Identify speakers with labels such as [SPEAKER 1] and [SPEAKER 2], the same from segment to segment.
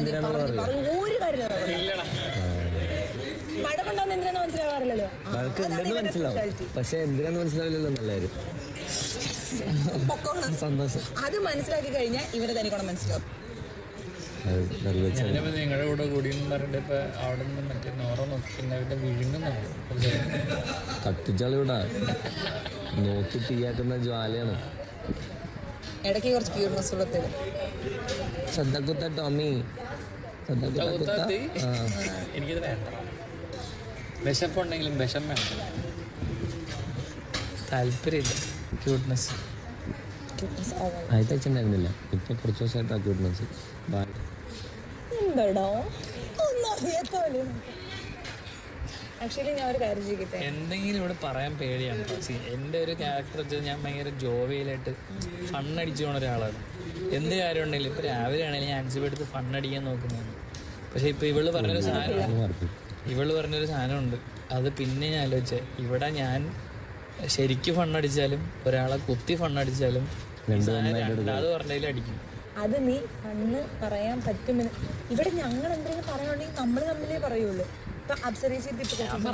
[SPEAKER 1] എന്തിനാണെന്ന് പറയും.
[SPEAKER 2] ഒരു കാര്യം വഴക്കുണ്ടാവുന്ന എന്തിനാന്ന് മനസ്സിലാവാറില്ലല്ലോ.
[SPEAKER 1] വഴക്ക് ഉണ്ടെന്ന് മനസ്സിലാവും, പക്ഷെ എന്തിനാന്ന് മനസ്സിലാവില്ലല്ലോ. നല്ലതായിരുന്നു, സന്തോഷം.
[SPEAKER 2] അത് മനസ്സിലാക്കി കഴിഞ്ഞാൽ ഇവരെ തനിക്കോണം മനസ്സിലാവും.
[SPEAKER 3] നിങ്ങളുടെ കൂടെ കൂടിയെന്ന് പറഞ്ഞിട്ട് ഇപ്പൊ അവിടെ നിന്ന് മറ്റേ നോറ നോക്കി പിന്നെ അവരുടെ വിഴുങ്ങുന്നുണ്ട്.
[SPEAKER 1] കത്തിച്ചാളിവിടെ നോക്കി തീയാക്കുന്ന ജ്വാലയാണ്.
[SPEAKER 2] ഇടയ്ക്ക് കുറച്ച് ക്യൂർനെസ് ഉള്ളത്തിൽ
[SPEAKER 1] ശ്രദ്ധക്കുത്ത ടോമി,
[SPEAKER 3] എനിക്കിത് വേണ്ട. വിശപ്പുണ്ടെങ്കിലും വിഷം വേണ്ട, താല്പര്യമില്ല. ക്യൂട്ട്നെസ്
[SPEAKER 1] ആദ്യത്തെ ഉണ്ടായിരുന്നില്ല, ഇപ്പൊ കുറച്ച് ദിവസമായിട്ട് ആ ക്യൂട്ട്നെസ്.
[SPEAKER 2] എന്താടോ ഒന്നും അറിയാത്തോലും. ആക്ച്വലി ഞാൻ ഒരു കാര്യം ചെയ്യട്ടെ,
[SPEAKER 3] എന്തെങ്കിലും ഇവിടെ പറയാൻ പേടിയാണ്. എൻ്റെ ഒരു ക്യാരക്ടർ വെച്ചാൽ ഞാൻ ഭയങ്കര ജോവിയലായിട്ട് ഫണ്ണടിച്ചു പോണ ഒരാളാണ്. എന്ത് കാര്യം ഉണ്ടെങ്കിലും ഇപ്പം രാവിലെ ആണെങ്കിലും ഞാൻ ആൻസിബ് എടുത്ത് ഫണ്ണടിക്കാൻ നോക്കുന്നതാണ്. പക്ഷെ ഇപ്പം ഇവള് പറഞ്ഞൊരു സാധനമുണ്ട്, അത് പിന്നെ ഞാൻ ആലോചിച്ചേ. ഇവിടെ ഞാൻ ശരിക്കും ഫണ്ണടിച്ചാലും ഒരാളെ കുത്തി ഫണ്ണടിച്ചാലും രണ്ടാമത് പറഞ്ഞതിൽ അടിക്കും.
[SPEAKER 2] അത് നീ അന്ന് പറയാൻ പറ്റുമെന്ന്. ഇവിടെ ഞങ്ങൾ എന്തെങ്കിലും പറയുകയാണെങ്കിൽ നമ്മൾ തമ്മിലേ പറയുള്ളൂ. ഇപ്പൊ അബ്സർവേഷൻ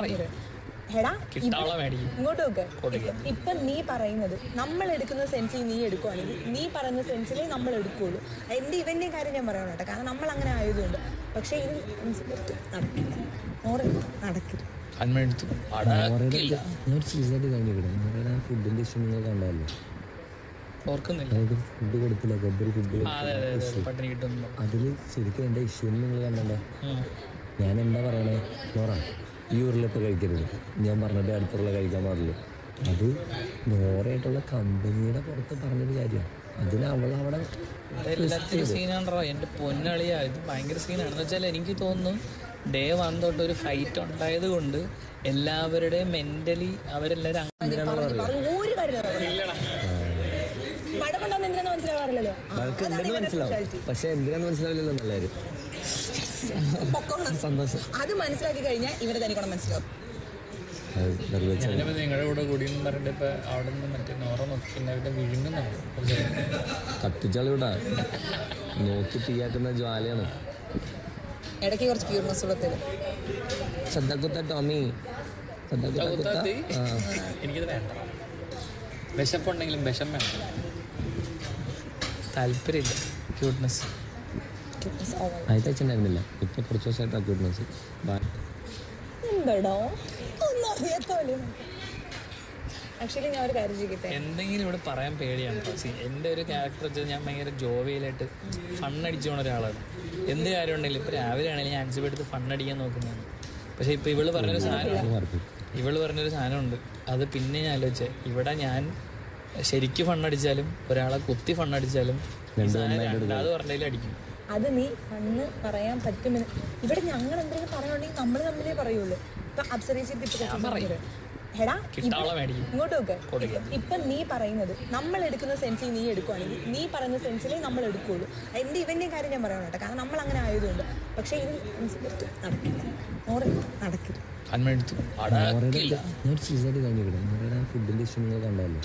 [SPEAKER 2] ഇങ്ങോട്ട് നോക്ക്. ഇപ്പൊ നീ പറയുന്നത് നമ്മൾ എടുക്കുന്ന സെൻസിൽ നീ എടുക്കുവാണെങ്കിൽ നീ പറയുന്ന സെൻസിലേ നമ്മൾ എടുക്കുകയുള്ളൂ. എൻ്റെ ഇവൻ്റെയും കാര്യം ഞാൻ പറയണം കേട്ടോ, കാരണം നമ്മൾ അങ്ങനെ ആയതുകൊണ്ട്. പക്ഷെ ഇത് നടക്കില്ല, നടക്കില്ല.
[SPEAKER 1] ഫുഡിന്റെ ഇഷ്യൂ നിങ്ങൾ കണ്ടല്ലോ, ഫുഡ് കൊടുത്തില്ല, ഗബ്ബർ ഫുഡ്. അതില് ശരിക്കും എന്റെ ഇഷ്യൂ നിങ്ങൾ കണ്ടോ. ഞാൻ എന്താ പറയണേ, നോറ ഈ ഉരുളിപ്പോൾ കഴിക്കരുത്, ഞാൻ പറഞ്ഞിട്ട് അടുത്തുള്ള കഴിക്കാൻ പാടുള്ളൂ. അത് നോറയായിട്ടുള്ള കമ്പനിയുടെ പുറത്ത് പറഞ്ഞൊരു കാര്യമാണ്. അതിന് അവളവിടെ
[SPEAKER 3] എല്ലാത്തിനും സീനാണോ എൻ്റെ പൊന്നളിയാ. ഇത് ഭയങ്കര സീനാണെന്ന് വെച്ചാൽ എനിക്ക് തോന്നുന്നു ഡേ 1 തൊട്ട് ഒരു ഫൈറ്റ് ഉണ്ടായത് കൊണ്ട് എല്ലാവരുടെയും മെന്റലി അവരെല്ലാവരും
[SPEAKER 1] വഴക്ക് ഉണ്ടെന്ന് മനസ്സിലാവും, പക്ഷെ എന്തിനാന്ന് മനസ്സിലാവില്ലല്ലോ. നല്ലതായിരുന്നു, സന്തോഷം.
[SPEAKER 2] അത് മനസ്സിലാക്കി കഴിഞ്ഞാൽ ഇവരെ തനിക്കോണം മനസ്സിലാവും.
[SPEAKER 3] നിങ്ങളുടെ കൂടെ കൂടിയെന്ന് പറഞ്ഞിട്ട് ഇപ്പൊ അവിടെ നിന്ന് മറ്റേ നോറ നോക്കി പിന്നെ അവരുടെ വിഴുങ്ങുന്നുണ്ട്.
[SPEAKER 1] കത്തിച്ചാളിവിടെ നോക്കി തീയാക്കുന്ന ജ്വാലയാണ്.
[SPEAKER 2] ഇടയ്ക്ക് കുറച്ച് ക്യൂർനെസ് ഉള്ളത്തിൽ
[SPEAKER 1] ശ്രദ്ധക്കുത്ത ടോമി,
[SPEAKER 3] എനിക്കിത് വേണ്ട. വിശപ്പുണ്ടെങ്കിലും വിഷം വേണ്ട, താല്പര്യമില്ല. ക്യൂട്ട്നെസ്
[SPEAKER 1] ആദ്യത്തെ ഉണ്ടായിരുന്നില്ല, ഇപ്പൊ കുറച്ച് ദിവസമായിട്ട് ആ ക്യൂട്ട്നെസ്.
[SPEAKER 2] എന്താടോ ഒന്നും അറിയാത്തോലും. ആക്ച്വലി ഞാൻ ഒരു കാര്യം ചെയ്യട്ടെ,
[SPEAKER 3] എന്തെങ്കിലും ഇവിടെ പറയാൻ പേടിയാണ്. എൻ്റെ ഒരു ക്യാരക്ടർ വെച്ചാൽ ഞാൻ ഭയങ്കര ജോവിയലായിട്ട് ഫണ്ണടിച്ചു പോണ ഒരാളാണ്. എന്ത് കാര്യം ഉണ്ടെങ്കിലും ഇപ്പം രാവിലെ ആണെങ്കിലും ഞാൻ ആൻസിബ് എടുത്ത് ഫണ്ണടിക്കാൻ നോക്കുന്നതാണ്. പക്ഷെ ഇപ്പം ഇവള് പറഞ്ഞൊരു സാധനമുണ്ട്, അത് പിന്നെ ഞാൻ ആലോചിച്ചേ. ഇവിടെ ഞാൻ ശരിക്കും ഫണ്ണടിച്ചാലും ഒരാളെ കുത്തി ഫണ്ണടിച്ചാലും രണ്ടാമത് പറഞ്ഞതിൽ അടിക്കും.
[SPEAKER 2] അത് നീ അന്ന് പറയാൻ പറ്റുമെന്ന്. ഇവിടെ ഞങ്ങൾ എന്തെങ്കിലും പറയുകയാണെങ്കിൽ നമ്മൾ തമ്മിലേ പറയുള്ളൂ. ഇപ്പൊ അബ്സർവേഷൻ ഇങ്ങോട്ട് നോക്ക്. ഇപ്പൊ നീ പറയുന്നത് നമ്മൾ എടുക്കുന്ന സെൻസിൽ നീ എടുക്കുവാണെങ്കിൽ നീ പറയുന്ന സെൻസിലേ നമ്മൾ എടുക്കുകയുള്ളൂ. എൻ്റെ ഇവൻ്റെയും കാര്യം ഞാൻ പറയണം കേട്ടോ, കാരണം നമ്മൾ അങ്ങനെ ആയതുകൊണ്ട്. പക്ഷെ ഇത് നടക്കില്ല, നടക്കില്ല.
[SPEAKER 1] ഫുഡിന്റെ ഇഷ്യൂ നിങ്ങൾ കണ്ടല്ലോ,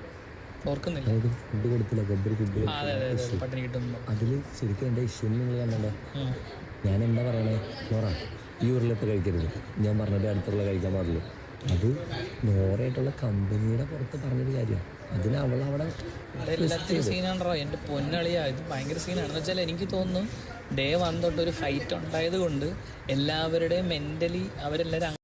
[SPEAKER 1] ഫുഡ് കൊടുത്തില്ല, ഗബ്ബർ ഫുഡ്. അതില് ശരിക്കും എന്റെ ഇഷ്യൂ നിങ്ങൾ കണ്ടോ. ഞാൻ എന്താ പറയണേ, നോറ ഈ ഉരുളിപ്പോൾ കഴിക്കരുത്, ഞാൻ പറഞ്ഞിട്ട് അടുത്തുള്ള കഴിക്കാൻ പാടുള്ളൂ. അത് നോറയായിട്ടുള്ള കമ്പനിയുടെ പുറത്ത് പറഞ്ഞൊരു കാര്യമാണ്. അതിന് അവളവിടെ
[SPEAKER 3] എല്ലാത്തിനും സീനാണോ എൻ്റെ പൊന്നളിയാ. ഇത് ഭയങ്കര സീനാണെന്ന് വെച്ചാൽ എനിക്ക് തോന്നുന്നു ഡേ 1 തൊട്ട് ഒരു ഫൈറ്റ് ഉണ്ടായത് കൊണ്ട് എല്ലാവരുടെയും മെന്റലി അവരെല്ലാവരും